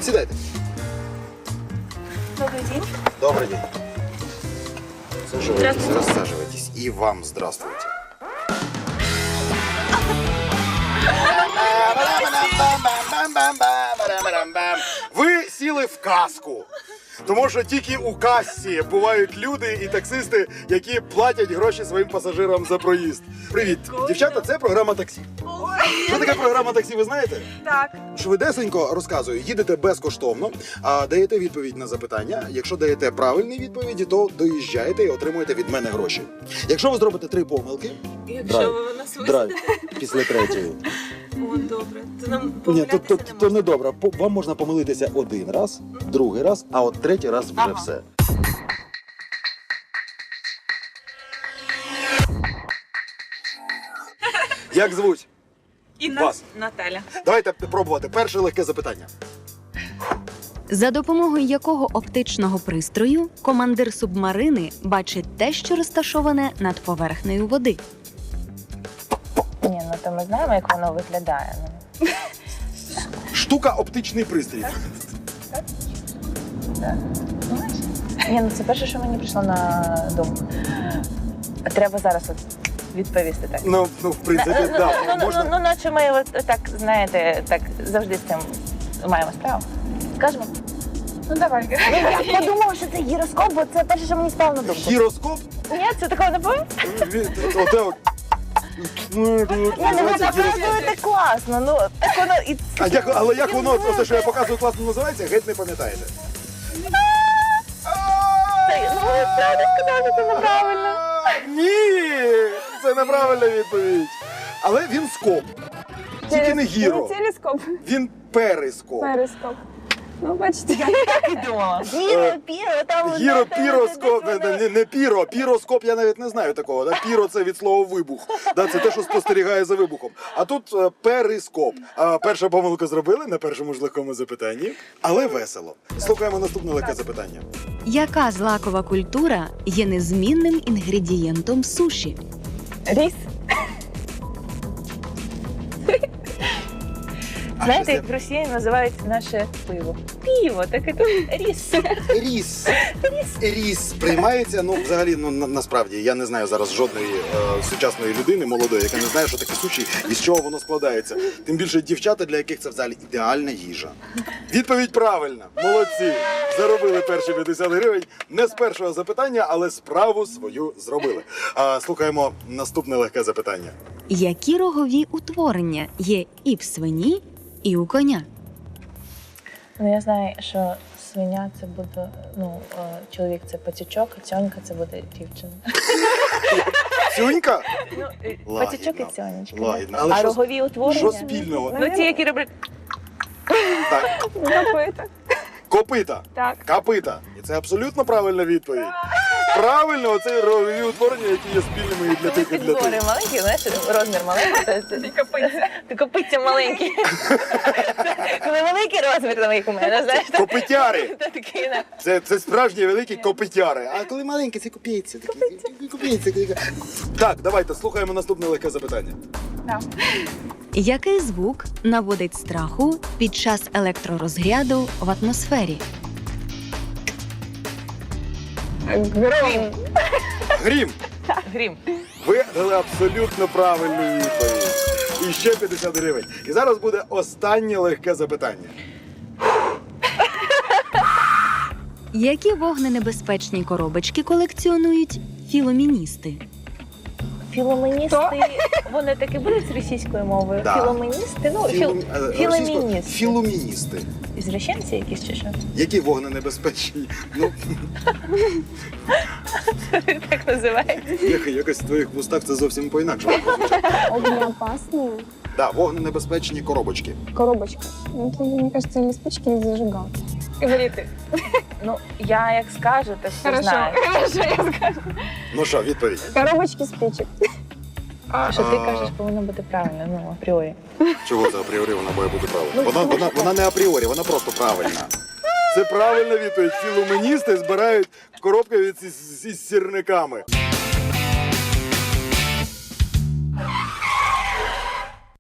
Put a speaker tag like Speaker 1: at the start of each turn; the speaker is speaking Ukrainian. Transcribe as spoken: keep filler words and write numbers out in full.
Speaker 1: Сідайте.
Speaker 2: Добрый день.
Speaker 1: Добрый день. Саживайтесь, рассаживайтесь. И вам здравствуйте. Ви сіли в казку. Тому що тільки у касі бувають люди і таксисти, які платять гроші своїм пасажирам за проїзд. Привіт, дівчата, це програма таксі. Що таке програма таксі, ви знаєте?
Speaker 2: Так.
Speaker 1: Швидесенько розказую, їдете безкоштовно, а даєте відповідь на запитання. Якщо даєте правильні відповіді, то доїжджаєте і отримуєте від мене гроші. Якщо ви зробите три помилки,
Speaker 2: Якщо ви нас
Speaker 1: драйв
Speaker 2: висадите,
Speaker 1: після третьої.
Speaker 2: о, добре. То нам
Speaker 1: Ні, то,
Speaker 2: помилятися
Speaker 1: то,
Speaker 2: не
Speaker 1: то
Speaker 2: можна.
Speaker 1: не добре. По- Вам можна помилитися один раз, другий раз, а от третій раз вже
Speaker 2: Ага.
Speaker 1: все. Як звуть?
Speaker 2: Інна
Speaker 1: Вас.
Speaker 2: Наталя.
Speaker 1: Давайте пробувати. Перше легке запитання.
Speaker 3: За допомогою якого оптичного пристрою командир субмарини бачить те, що розташоване над поверхнею води?
Speaker 4: Ні, ну то ми знаємо, як воно виглядає. Ну.
Speaker 1: Штука оптичний пристрій.
Speaker 4: Знаєш? Ні, ну це перше, що мені прийшло на думку. Треба зараз от відповісти так.
Speaker 1: Ну, ну в принципі,
Speaker 4: ну,
Speaker 1: так.
Speaker 4: ну, ну,
Speaker 1: Можна.
Speaker 4: ну, наче ми от, так, знаєте, так завжди з цим маємо справу. Скажемо?
Speaker 2: Ну давай.
Speaker 4: Я подумала, що це гіроскоп, бо це перше, що мені спало на думку.
Speaker 1: Гіроскоп?
Speaker 4: Ні, це такого не було?
Speaker 1: Він- Оте от.
Speaker 4: Ні, ну ви
Speaker 1: Називається гіроскоп.
Speaker 4: показуєте класно, ну так воно і...
Speaker 1: А як, але як воно, оте, що я показую, класно називається, геть не пам'ятаєте.
Speaker 4: Це, ну ви правда сказали, це неправильно.
Speaker 1: Ні, це неправильна відповідь. Але він скоп. Тільки не гіро.
Speaker 5: Телескоп,
Speaker 1: Він перископ.
Speaker 5: перископ. Ну, бачите.
Speaker 4: Так і думала. Гіро, піро, там...
Speaker 1: Гіро, піроскоп, не, не, не піро, піроскоп, я навіть не знаю такого. Да? Піро це від слова вибух. Да? Це те, що спостерігає за вибухом. А тут е, перископ. А, перша помилка зробили на першому ж легкому запитанні, але весело. Слухаємо наступне легке запитання.
Speaker 3: Яка злакова культура є незмінним інгредієнтом суші?
Speaker 4: Ріс.
Speaker 1: А
Speaker 4: Знаєте,
Speaker 1: що
Speaker 4: як в Росії називають наше пиво? Піво, так і тут ріс.
Speaker 1: це? Ріс. Ріс приймається, ну взагалі, ну на, насправді я не знаю зараз жодної е, сучасної людини молодої, яка не знає, що таке суші і з чого воно складається. Тим більше дівчата, для яких це взагалі ідеальна їжа. Відповідь правильна. Молодці. Заробили перші п'ятдесят гривень. Не з першого запитання, але справу свою зробили. А, слухаємо наступне легке запитання.
Speaker 3: Які рогові утворення є і в свині, і у коня?
Speaker 4: Ну я знаю, що свиня це буде, ну, е, чоловік це пацючок, а цьонька це буде дівчина.
Speaker 1: Цюнька?
Speaker 4: Ну, е,
Speaker 1: Лагідно.
Speaker 4: пацючок і цьонечка.
Speaker 1: Лагідно. Але
Speaker 4: А
Speaker 1: що-
Speaker 4: рогові утворення?
Speaker 1: Що спільного?
Speaker 4: Ну ті, які роблять...
Speaker 1: Так,
Speaker 5: Копита.
Speaker 1: копита.
Speaker 5: Так.
Speaker 1: Копита. І це абсолютно правильна відповідь. Правильно, оце рогові утворення, які є спільними і для тих, і для
Speaker 4: Підбори
Speaker 1: тих.
Speaker 4: маленькі, знаєш, розмір маленький. то- то-
Speaker 2: Копиться.
Speaker 4: Ти копиться маленькі. Коли великий розмір, там як у мене, знаєш. то-
Speaker 1: Копитяри.
Speaker 4: то такий, да.
Speaker 1: Це, це справжні великі копитяри. А коли маленькі, це копійці. такі. Копійці. такі. Так, давайте слухаємо наступне легке запитання.
Speaker 3: Який звук наводить страху під час електророзряду в атмосфері?
Speaker 4: Грім.
Speaker 1: Грім.
Speaker 4: Грім.
Speaker 1: Ви дали абсолютно правильну відповідь. І ще п'ятдесят гривень. І зараз буде останнє легке запитання.
Speaker 3: Які вогненебезпечні коробочки колекціонують філоміністи?
Speaker 4: Філоменісти, вони таки будуть з російською мовою?
Speaker 1: Да.
Speaker 4: Філоменісти? Ну, філ...
Speaker 1: Філум- е, російською-
Speaker 4: філоміністи.
Speaker 1: Філуміністи.
Speaker 4: Ізращенці якісь чи що?
Speaker 1: Які вогненебезпечні? Ну,
Speaker 4: Так називається.
Speaker 1: як- якось в твоїх вустах це зовсім по-інакшому.
Speaker 5: Огнеопасные.
Speaker 1: Да, вогненебезпечні коробочки.
Speaker 5: Коробочка. Ну, это, мне кажется, или спички, или зажигалки.
Speaker 2: Говори ти.
Speaker 4: Ну, я як скажу, то все
Speaker 2: Хорошо,
Speaker 4: знаю.
Speaker 2: хорошо, я скажу.
Speaker 1: Ну що, відповідь?
Speaker 5: Коробочки спичек.
Speaker 4: Що ти
Speaker 1: А.
Speaker 4: кажеш, повинно бути правильно, ну, апріорі.
Speaker 1: Чого це апріорі вона має бути правильна? Вона, вона, вона не апріорі, вона просто правильна. Це правильна відповідь. Філуменісти збирають коробки від із, із сірниками.